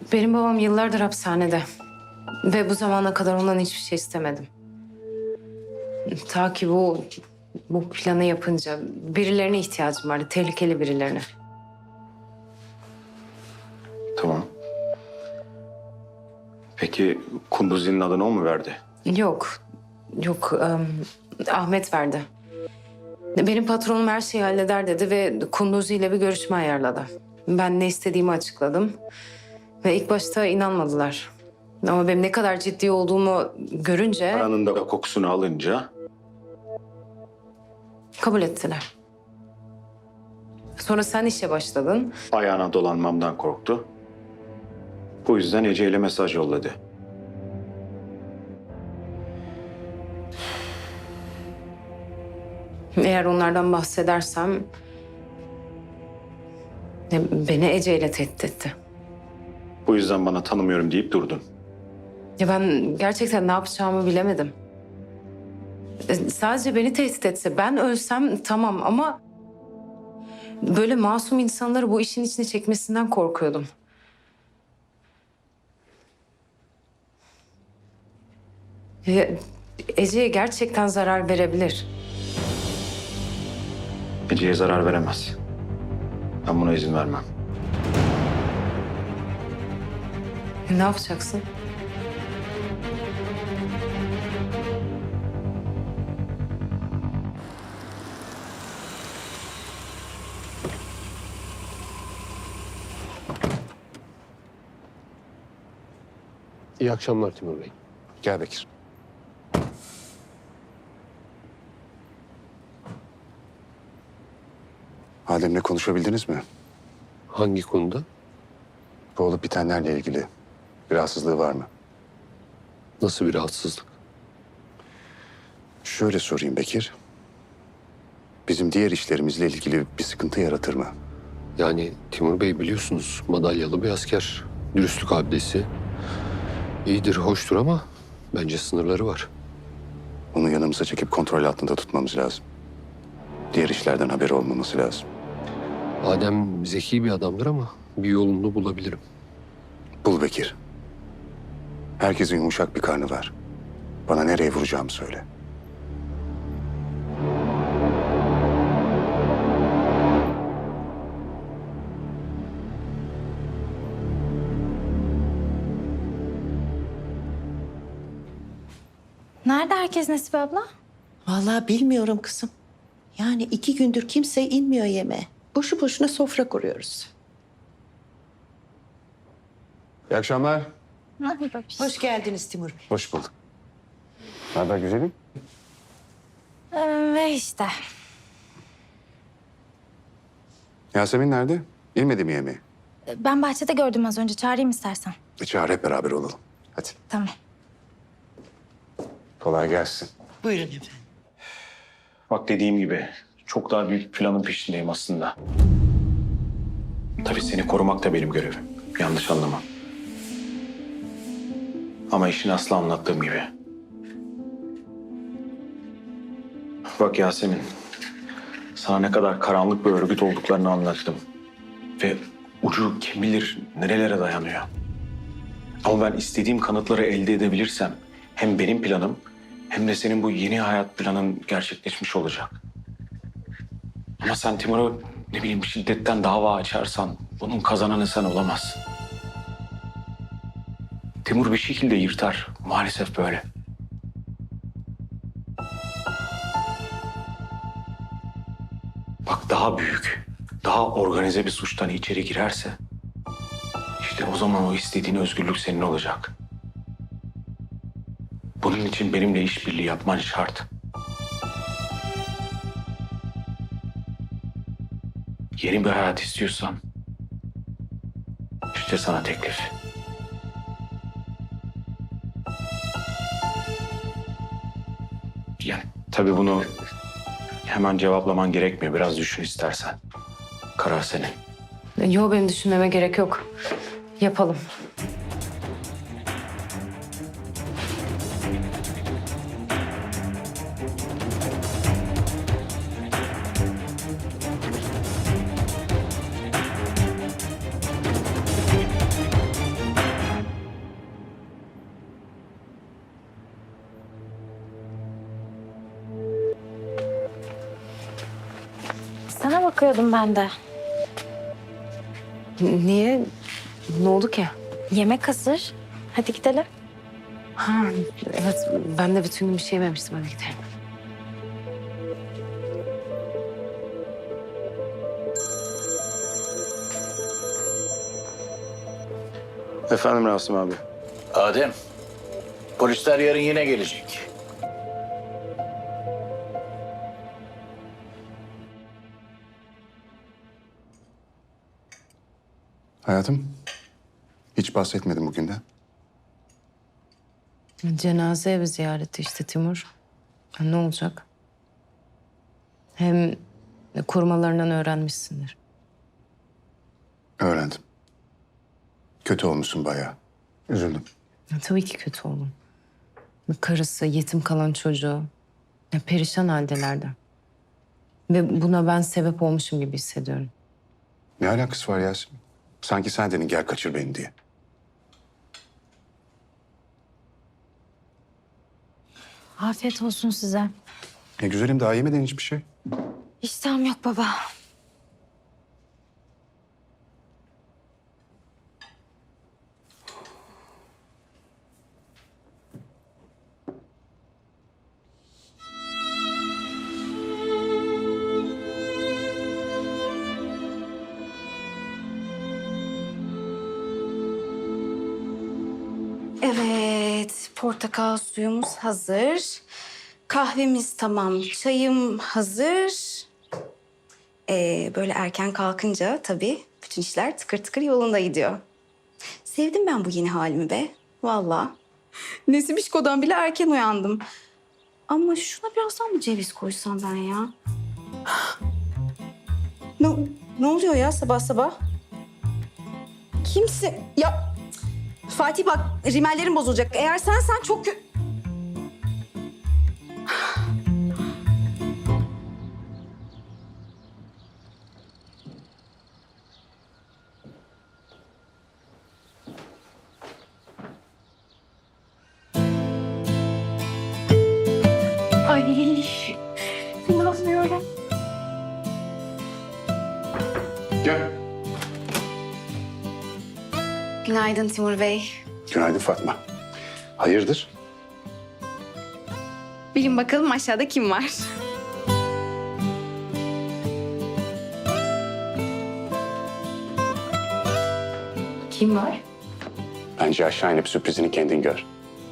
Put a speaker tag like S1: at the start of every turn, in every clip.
S1: Benim babam yıllardır hapishanede. Ve bu zamana kadar ondan hiçbir şey istemedim. Ta ki bu planı yapınca birilerine ihtiyacım vardı. Tehlikeli birilerine.
S2: Tamam. Peki Kunduzi'nin adını o mu verdi?
S1: Yok. Yok. Ahmet verdi. Benim patronum her şeyi halleder dedi ve Kunduzi ile bir görüşme ayarladı. Ben ne istediğimi açıkladım. Ve ilk başta inanmadılar. Ama benim ne kadar ciddi olduğumu görünce
S2: Paranın da kokusunu alınca
S1: kabul ettiler. Sonra sen işe başladın.
S2: ayağına dolanmamdan korktu. Bu yüzden Ece ile mesaj yolladı.
S1: Eğer onlardan bahsedersem beni Ece ile tehdit etti.
S2: Bu yüzden bana tanımıyorum deyip durdun.
S1: Ya ben gerçekten ne yapacağımı bilemedim. Sadece beni tehdit etse, ben ölsem tamam ama böyle masum insanları bu işin içine çekmesinden korkuyordum. Ya, Ece'ye gerçekten zarar verebilir.
S2: Ece'ye zarar veremez. Ben buna izin vermem.
S1: Ne yapacaksın?
S3: İyi akşamlar Timur Bey.
S2: Gel Bekir.
S4: Adem'le konuşabildiniz mi?
S3: Hangi konuda?
S4: Bu olup bitenlerle ilgili bir rahatsızlığı var mı?
S3: Nasıl bir rahatsızlık?
S4: Şöyle sorayım Bekir. Bizim diğer işlerimizle ilgili bir sıkıntı yaratır mı?
S3: Yani Timur Bey biliyorsunuz madalyalı bir asker. Dürüstlük abidesi. İyidir, hoştur ama bence sınırları var.
S4: Onu yanımıza çekip kontrol altında tutmamız lazım. Diğer işlerden haberi olmaması lazım.
S3: Adem zeki bir adamdır ama bir yolunu bulabilirim.
S4: Bul Bekir. Herkesin yumuşak bir karnı var. Bana nereye vuracağımı söyle.
S5: Nerede herkes Nesibe abla?
S6: Vallahi bilmiyorum kızım. Yani 2 gündür kimse inmiyor yemeğe. Boşu boşuna sofra kuruyoruz.
S4: İyi akşamlar.
S6: Hoş geldiniz Timur Bey.
S4: Hoş bulduk. Ne haber güzelim?
S5: Ve işte.
S4: Yasemin nerede? İnmedi mi yemeğe?
S5: Ben bahçede gördüm az önce. Çağırayım istersen.
S4: Çağır hep beraber olalım. Hadi.
S5: Tamam.
S4: Kolay gelsin.
S6: Buyurun efendim.
S2: Bak dediğim gibi çok daha büyük planın peşindeyim aslında. Tabii seni korumak da benim görevim. Yanlış anlama. Ama işin aslı anlattığım gibi. Bak Yasemin, sana ne kadar karanlık bir örgüt olduklarını anlattım. Ve ucu kim bilir nerelere dayanıyor. Ama ben istediğim kanıtları elde edebilirsem hem benim planım hem de senin bu yeni hayat planın gerçekleşmiş olacak. Ama sen Timur'a ne bileyim şiddetten dava açarsan bunun kazananı sen olamazsın. Timur bir şekilde yırtar. Maalesef böyle. Bak daha büyük, daha organize bir suçtan içeri girerse işte o zaman o istediğin özgürlük senin olacak. Bunun için benimle işbirliği yapman şart. Yeni bir hayat istiyorsan işte sana teklif. Yani tabii bunu hemen cevaplaman gerekmiyor. Biraz düşün istersen. Karar senin.
S1: Yok, benim düşünmeme gerek yok. Yapalım.
S5: Sana bakıyordum ben de.
S1: Niye? Ne oldu ki?
S5: Yemek hazır. Hadi gidelim.
S1: Ha, evet ben de bütün gün bir şey yememiştim. Hadi gidelim.
S2: Efendim Rasim abi.
S7: Adem, polisler yarın yine gelecek.
S4: Hayatım, hiç bahsetmedim bugünden.
S1: Cenaze evi ziyareti işte Timur. Ha, ne olacak? Hem korumalarından öğrenmişsindir.
S4: Öğrendim. Kötü olmuşsun bayağı. Üzüldüm.
S1: Ya, tabii ki kötü oldum. Karısı, yetim kalan çocuğu. Ya, perişan haldelerdi. Ve buna ben sebep olmuşum gibi hissediyorum.
S4: Ne alakası var Yasemin? Sanki sen dedin gel kaçır beni diye.
S5: Afiyet olsun size.
S4: Ne güzelim, daha yemeden hiçbir şey.
S5: İştahım yok baba.
S8: Evet, portakal suyumuz hazır. Kahvemiz tamam, çayım hazır. Böyle erken kalkınca tabii bütün işler tıkır tıkır yolunda gidiyor. Sevdim ben bu yeni halimi be, vallahi. Nesibişko'dan bile erken uyandım. Ama şuna birazdan mı ceviz koysam ben ya? Ne oluyor ya sabah sabah? Kimse... Ya Fatih bak rimellerim bozulacak. Eğer sen çok Ay inanmıyorum.
S4: Gel.
S8: Günaydın Timur Bey.
S4: Günaydın Fatma. Hayırdır?
S8: Bilin bakalım aşağıda kim var?
S1: Kim var?
S4: Bence aşağı inip sürprizini kendin gör.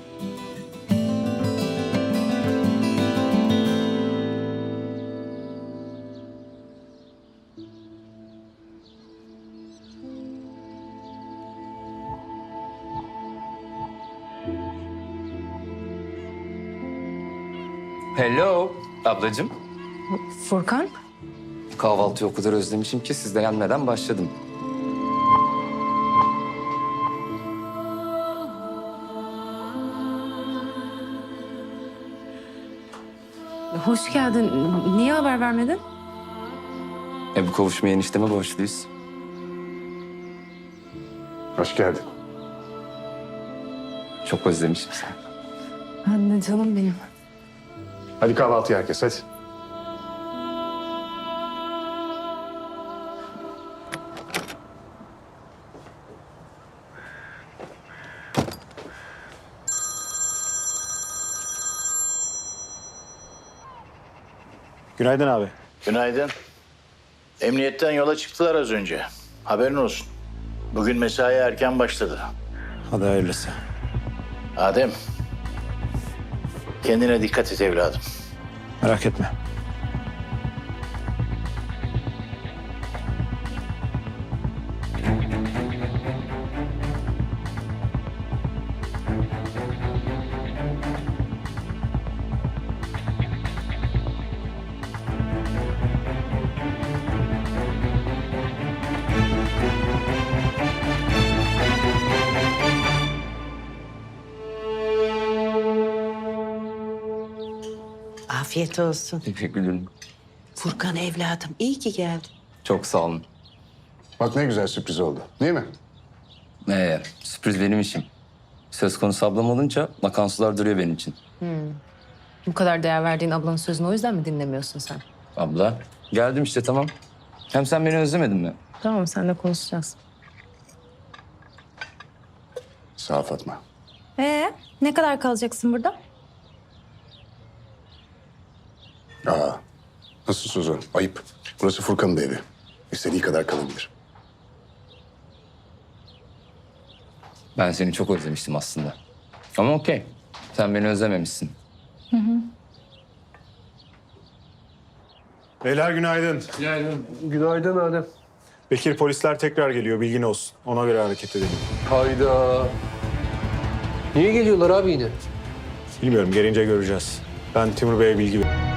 S9: Hello ablacığım.
S1: Furkan?
S9: Kahvaltıyı o kadar özlemişim ki siz de gelmeden başladım.
S1: Hoş geldin. Niye haber vermedin?
S9: Bu kavuşmaya enişteme borçluyuz.
S4: Hoş geldin.
S9: Çok özlemişim seni.
S1: Anne canım benim.
S4: Hadi kahvaltı herkes hadi.
S2: Günaydın abi.
S7: Günaydın. Emniyetten yola çıktılar az önce. Haberin olsun. Bugün mesai erken başladı.
S2: Hadi hayırlısı.
S7: Adem, kendine dikkat et evladım.
S2: Merak etme.
S6: Afiyet olsun.
S9: Teşekkür ederim.
S6: Furkan evladım iyi ki geldin.
S9: Çok sağ olun.
S4: Bak ne güzel sürpriz oldu değil mi?
S9: Sürpriz benim işim. Söz konusu ablam olunca akan sular duruyor benim için.
S1: Bu kadar değer verdiğin ablanın sözünü o yüzden mi dinlemiyorsun sen?
S9: Abla geldim işte tamam. Hem sen beni özlemedin mi?
S1: Tamam, seninle konuşacağız.
S4: Sağ ol Fatma.
S5: Ne kadar kalacaksın burada?
S4: Aa, nasıl Suzan? Ayıp. Burası Furkan'ın da evi. İstediği kadar kalabilir.
S9: Ben seni çok özlemiştim aslında. Ama okey. Sen beni özlememişsin.
S10: Beyler günaydın.
S3: Günaydın Adem.
S10: Bekir, polisler tekrar geliyor, bilgin olsun. Ona göre hareket edelim.
S3: Hayda. Niye geliyorlar abi yine?
S10: Bilmiyorum, gelince göreceğiz. Ben Timur Bey'e bilgi veririm.